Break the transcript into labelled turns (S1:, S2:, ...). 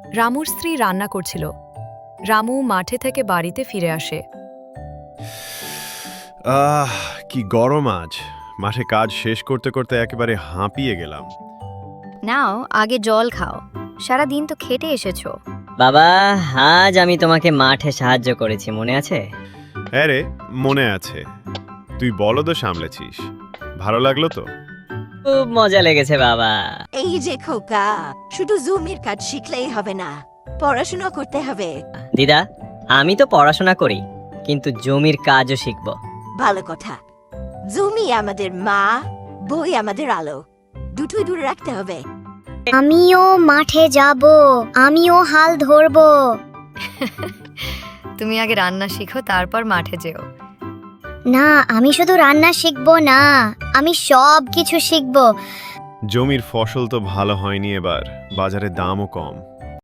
S1: রামুর স্ত্রী রান্না করছিল। রামু মাঠে থেকে বাড়িতে ফিরে আসে।
S2: কি গরম আজ! মাঠে কাজ শেষ করতে করতে একেবারে হাঁপিয়ে গেলাম।
S3: নাও আগে জল খাও, সারা দিন তো খেটে এসেছো।
S4: বাবা, আজ আমি তোমাকে মাঠে সাহায্য করেছি, মনে আছে?
S2: হ্যাঁ রে, মনে আছে। তুই বলদও সামলেছিস, ভালো লাগলো তো?
S4: খুব মজা লেগেছে বাবা।
S5: এই যে খোকা, শুধু জুমের কাজ শিখলেই হবে না, পড়াশোনা করতে হবে।
S4: দিদা, আমি তো পড়াশোনা করি, কিন্তু জমির কাজও শিখব।
S5: ভালো কথা। জমি আমাদের মা, বই আমাদের আলো, দুটোই দূরে রাখতে হবে।
S6: আমিও মাঠে যাব, আমিও হাল ধরবো।
S3: তুমি আগে রান্না শিখো, তারপর মাঠে যেও।
S6: না, আমি শুধু রান্না শিখবো না, আমি সব কিছু শিখবো।
S2: জমির ফসল তো ভালো হয়নি এবার, বাজারে দামও কম।